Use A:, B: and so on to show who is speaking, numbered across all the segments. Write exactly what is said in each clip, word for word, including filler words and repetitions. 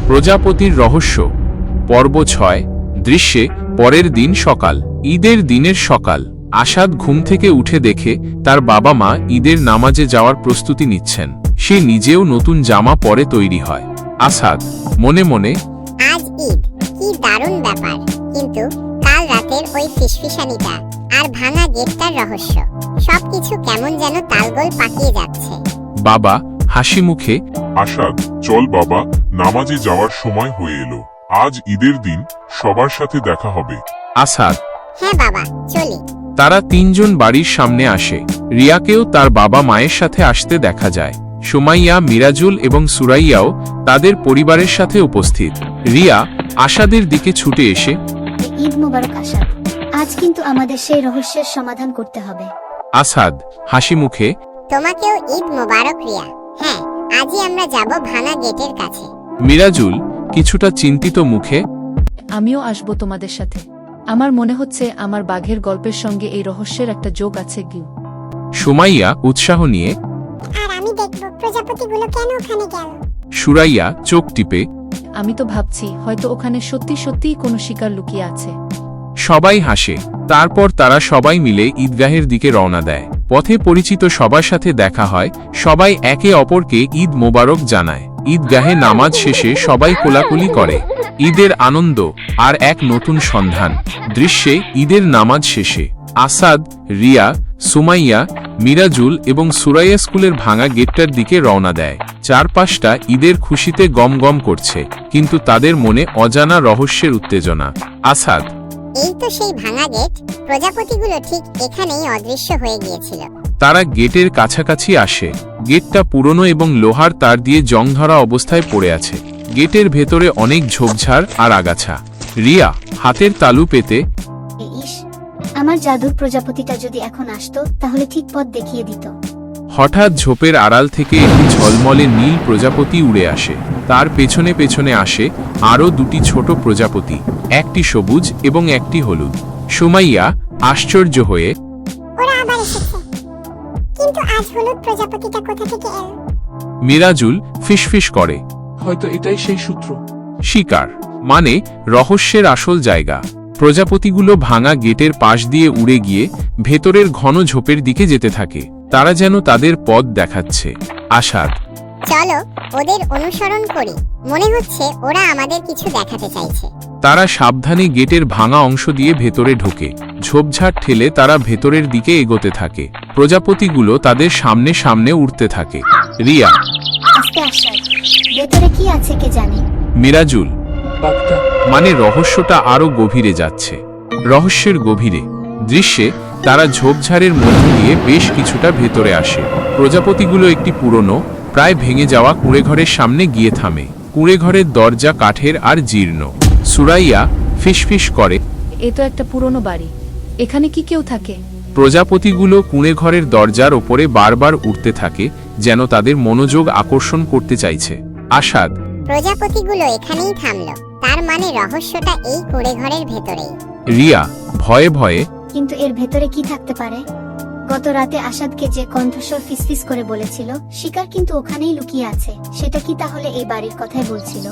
A: প্রজাপতির রহস্য পর্ব ছয়। দৃশ্যে পরের দিন সকাল। ঈদের দিনের সকাল। আসাদ ঘুম থেকে উঠে দেখে তার বাবা মা ঈদের নামাজে যাওয়ার প্রস্তুতি নিচ্ছেন। সে নিজেও নতুন জামা পরে তৈরি হয়। আসাদ মনে মনে,
B: আজ ঈদ, কি দারুণ ব্যাপার, কিন্তু কাল রাতের ওই ফিসফিসানিটা আর ভাঙা গেটটার রহস্য, সবকিছু কেমন যেন তালগোল পাকিয়ে যাচ্ছে।
A: বাবা হাসি মুখে,
C: আসাদ, চল বাবা, নামাজে যাওয়ার সময় হয়ে এলো। আজ ঈদের দিন, সবার সাথে দেখা হবে।
A: আসাদ,
B: হ্যাঁ বাবা, চলি।
A: তারা তিনজন বাড়ির সামনে আসে। রিয়াকেও তার বাবা মায়ের সাথে আসতে দেখা যায়। সুমাইয়া, মিরাজুল এবং সুরাইয়াও তাদের পরিবারের সাথে উপস্থিত। রিয়া আসাদের দিকে ছুটে এসে,
D: ঈদ মোবারক আসাদ, আজ কিন্তু আমাদের সেই রহস্যের সমাধান করতে হবে।
A: আসাদ হাসি মুখে,
B: তোমাকেও ঈদ মোবারক রিয়া। হ্যাঁ, আজই আমরা যাব ভাঙা গেটের কাছে।
A: মিরাজুল কিছুটা চিন্তিত মুখে,
E: আমিও আসব তোমাদের সাথে। আমার মনে হচ্ছে আমার বাঘের গল্পের সঙ্গে এই রহস্যের একটা যোগ আছে। গিউ
A: সুমাইয়া উৎসাহ নিয়ে,
B: আর আমি দেখব প্রজাপতিগুলো কেন ওখানে গেল।
A: সুরাইয়া চোখ টিপে,
E: আমি তো ভাবছি হয়তো ওখানে সত্যি সত্যিই কোনো শিকার লুকিয়ে আছে।
A: সবাই হাসে। তারপর তারা সবাই মিলে ঈদগাহের দিকে রওনা দেয়। পথে পরিচিত সবার সাথে দেখা হয়। সবাই একে অপরকে ঈদ মোবারক জানায়। ঈদগাহে নামাজ শেষে সবাই কোলাকুলি করে। ঈদের আনন্দ আর এক নতুন সন্ধান। দৃশ্যে ঈদের নামাজ শেষে আসাদ, রিয়া, সুমাইয়া, মিরাজুল এবং সুরাইয়া স্কুলের ভাঙা গেটটার দিকে রওনা দেয়। চারপাশটা ঈদের খুশিতে গম গম করছে, কিন্তু তাদের মনে অজানা রহস্যের উত্তেজনা। আসাদ,
B: এই তো সেই ভাঙা গেট, প্রজাপতিগুলো ঠিক এখানেই অদৃশ্য হয়ে গিয়েছিল।
A: তারা গেটের কাছাকাছি আসে। গেটটা পুরনো এবং লোহার তার দিয়ে জং ধরা অবস্থায় পড়ে আছে। গেটের ভেতরে অনেক ঝোপঝাড় আর আগাছা। রিয়া হাতের তালু পেতে,
D: ইস, আমার জাদুর প্রজাপতিটা যদি এখন আসতো তাহলে ঠিক পথ দেখিয়ে দিত।
A: হঠাৎ ঝোপের আড়াল থেকে একটি ঝলমলে নীল প্রজাপতি উড়ে আসে। তার পেছনে পেছনে আসে আরও দুটি ছোট প্রজাপতি, একটি সবুজ এবং একটি হলুদ। সুমাইয়া আশ্চর্য হয়ে,
B: ওরা আবার এসেছে, কিন্তু আজ হলুদ প্রজাপতিটা কোথা থেকে এলো?
A: মিরাজুল ফিসফিস করে,
F: হয়তো এটাই সেই সূত্র।
A: শিকার মানে রহস্যের আসল জায়গা। প্রজাপতিগুলো ভাঙা গেটের পাশ দিয়ে উড়ে গিয়ে ভেতরের ঘন ঝোপের দিকে যেতে থাকে। তারা যেন তাদের পথ দেখাচ্ছে। আসাদ,
B: চলো ওদের অনুসরণ করি, মনে হচ্ছে ওরা আমাদের কিছু দেখাতে চাইছে।
A: তারা সাবধানে গেটের ভাঙা অংশ দিয়ে ভেতরে ঢোকে। ঝোপঝাড় ঠেলে তারা ভেতরের দিকে এগোতে থাকে। প্রজাপতিগুলো তাদের সামনে সামনে উড়তে থাকে। রিয়া,
D: আস্তে আসাদ, ভেতরে কি আছে কে জানে।
A: মিরাজুল,
F: বাঘটা
A: মানে রহস্যটা আরো গভীরে যাচ্ছে। রহস্যের গভীরে। দৃশ্যে তারা ঝোপঝাড়ের মধ্য দিয়ে বেশ কিছুটা ভেতরে আসে। প্রজাপতিগুলো একটি পুরনো, প্রায় ভেঙে যাওয়া কুঁড়েঘরের সামনে গিয়ে থামে। কুঁড়েঘরের দরজা কাঠের আর জীর্ণ। সুরাইয়া ফিসফিস করে,
E: এ তো একটা পুরনো বাড়ি, এখানে কি কেউ থাকে?
A: প্রজাপতিগুলো কুঁড়েঘরের দরজার ওপরে বারবার উঠতে থাকে, যেন তাদের মনোযোগ আকর্ষণ করতে চাইছে। আসাদ,
B: প্রজাপতিগুলো এখানেই থামলো, তার মানে রহস্যটা এই কুঁড়ে ঘরের ভেতরেই।
A: রিয়া ভয়ে ভয়ে,
D: কিন্তু এর ভেতরে কি থাকতে পারে? গত রাতে আসাদকে যে কণ্ঠস্বর ফিসফিস করে বলেছিল শিকার কিন্তু ওখানেই লুকিয়ে আছে, সেটা কি তাহলে এই বাড়ির কথাই বলছিল?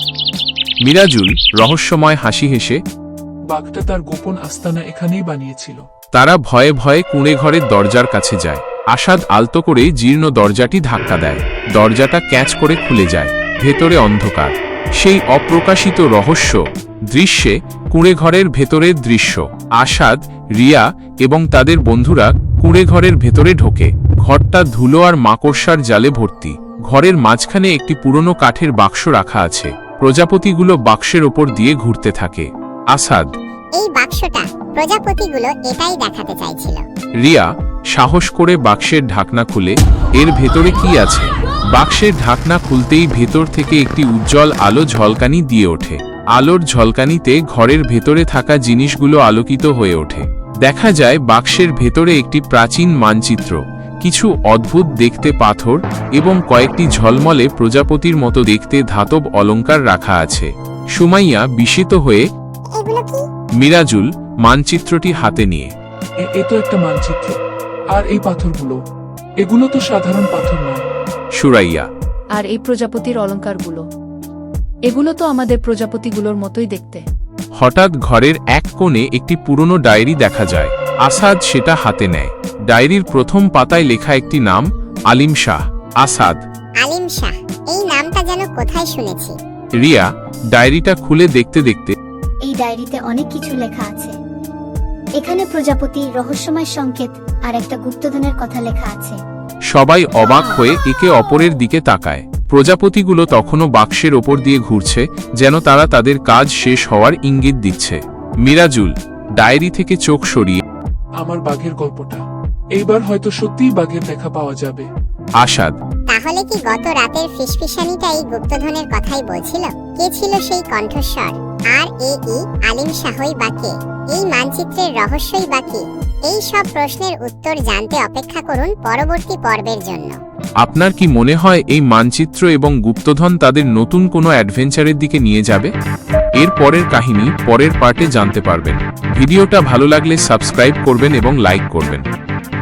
A: মিরাজুল রহস্যময় হাসি হেসে,
F: বাঘটা তার গোপন আস্তানা এখানেই বানিয়েছিল।
A: তারা ভয়ে ভয়ে কুঁড়েঘরের দরজার কাছে যায়। আসাদ আলতো করে জীর্ণ দরজাটি ধাক্কা দেয়। দরজাটা ক্যাচ করে খুলে যায়। ভেতরে অন্ধকার। সেই অপ্রকাশিত রহস্য। দৃশ্যে কুঁড়েঘরের ভেতরের দৃশ্য। আসাদ, রিয়া এবং তাদের বন্ধুরা কুঁড়েঘরের ভেতরে ঢোকে। ঘরটা ধুলো আর মাকড়সার জালে ভর্তি। ঘরের মাঝখানে একটি পুরনো কাঠের বাক্স রাখা আছে। প্রজাপতিগুলো বাক্সের ওপর দিয়ে ঘুরতে থাকে। আসাদ,
B: এই বাক্সটা, প্রজাপতিগুলো এটাই দেখাতে চাইছিল।
A: রিয়া সাহস করে বাক্সের ঢাকনা খুলে, এর ভেতরে কি আছে? বাক্সের ঢাকনা খুলতেই ভেতর থেকে একটি উজ্জ্বল আলো ঝলকানি দিয়ে ওঠে। আলোর ঝলকানিতে ঘরের ভেতরে থাকা জিনিসগুলো আলোকিত হয়ে ওঠে। দেখা যায় বাক্সের ভেতরে একটি প্রাচীন মানচিত্র, কিছু অদ্ভুত দেখতে পাথর এবং কয়েকটি ঝলমলে প্রজাপতির মতো দেখতে ধাতব অলংকার রাখা আছে। সুমাইয়া বিস্মিত হয়ে,
B: এগুলো কি?
A: মিরাজুল মানচিত্রটি হাতে নিয়ে,
F: এ- এ তো একটা মানচিত্র। আর এই পাথরগুলো, এগুলো তো সাধারণ পাথর নয়।
A: সুরাইয়া,
E: আর এই প্রজাপতির অলংকারগুলো, এগুলো তো আমাদের প্রজাপতিগুলোর মতোই দেখতে।
A: হঠাৎ ঘরের এক কোণে একটি পুরনো ডায়েরি দেখা যায়। আসাদ সেটা হাতে নেয়। ডায়েরির প্রথম পাতায় লেখা একটি নাম, আলিম শাহ। আসাদ।
B: আলিম শাহ, এই নামটা যেন কোথায় শুনেছি।
A: রিয়া ডায়েরিটা খুলে দেখতে দেখতে
D: এই ডায়েরিতে অনেক কিছু লেখা আছে। এখানে প্রজাপতি, রহস্যময় সংকেত আর একটা গুপ্তধনের কথা লেখা আছে।
A: সবাই অবাক হয়ে একে অপরের দিকে তাকায়। প্রজাপতিগুলো তখনও বাক্সের ওপর দিয়ে ঘুরছে, যেন তারা তাদের কাজ শেষ হওয়ার ইঙ্গিত দিচ্ছে। মিরাজুল ডায়েরি থেকে চোখ সরিয়ে
F: আমার বাঘের গল্পটা, এইবার হয়তো সত্যিই বাঘের দেখা পাওয়া যাবে।
A: আসাদ।
B: তাহলে কি গত রাতের ফিসফিসানিটা এই গুপ্তধনের কথাই বলছিল? কে ছিল সেই কণ্ঠস্বর? আর এ ই আলিম শাহই বাকি, এই মানচিত্রের রহস্যই বাকি। এই সব প্রশ্নের উত্তর জানতে অপেক্ষা করুন পরবর্তী পর্বের জন্য।
A: আপনার কি মনে হয় এই মানচিত্র এবং গুপ্তধন তাদের নতুন কোনো অ্যাডভেঞ্চারের দিকে নিয়ে যাবে? এর পরের কাহিনী পরের পার্টে জানতে পারবেন। ভিডিওটা ভালো লাগলে সাবস্ক্রাইব করবেন এবং লাইক করবেন।